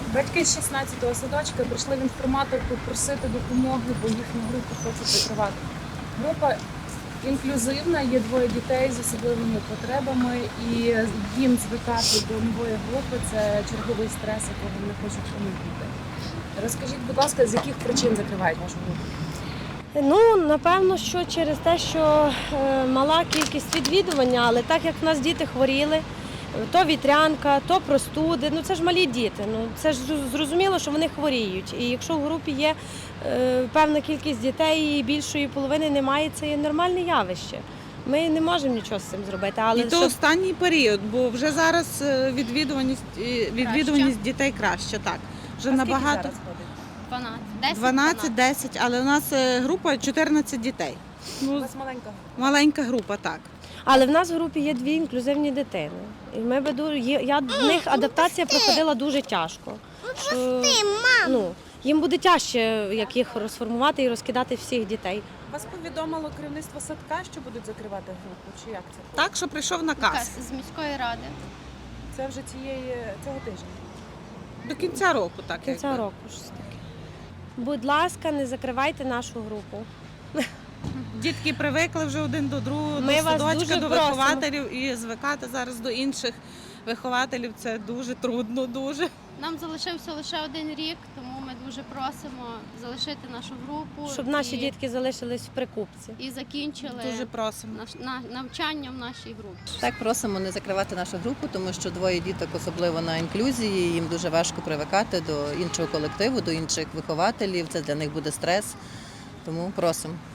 Батьки з 16-го садочка прийшли в інформаторку просити допомоги, бо їхню групу хочуть закривати. Група інклюзивна, є двоє дітей з особливими потребами, і їм звикати до нової групи – це черговий стрес, якого вони хочуть уникнути. Розкажіть, будь ласка, з яких причин закривають вашу групу? Ну, напевно, що через те, що мала кількість відвідування, але так як в нас діти хворіли, то вітрянка, то простуди, ну це ж малі діти, ну це ж зрозуміло, що вони хворіють. І якщо в групі є певна кількість дітей і більшої половини немає, це є нормальне явище. Ми не можемо нічого з цим зробити. Але І то останній період, бо вже зараз відвідуваність дітей краще, так. Вже А набагато. скільки зараз ходить? 12, 10, але у нас група 14 дітей. У Ну, вас маленька група. маленька група, так. Але в нас в групі є дві інклюзивні дитини. І ми в них адаптація проходила дуже тяжко. Що, ну, їм буде тяжче, як їх розформувати і розкидати всіх дітей. Вас повідомило керівництво садка, що будуть закривати групу, чи як це? Так, що прийшов наказ. З міської ради. Це вже цього тижня. До кінця року, так. До кінця якби. року. Щось таке. Будь ласка, не закривайте нашу групу. Дітки привикли вже один до другого, Ми до вас садочка, дуже до просимо. вихователів, і звикати зараз до інших вихователів це дуже трудно, дуже. Нам залишився лише один рік, тому ми дуже просимо залишити нашу групу. Щоб наші дітки залишились в прикупці. і закінчили Дуже просимо. навчання в нашій групі. Так, просимо не закривати нашу групу, тому що двоє діток, особливо на інклюзії, їм дуже важко привикати до іншого колективу, до інших вихователів. Це для них буде стрес. Тому просимо.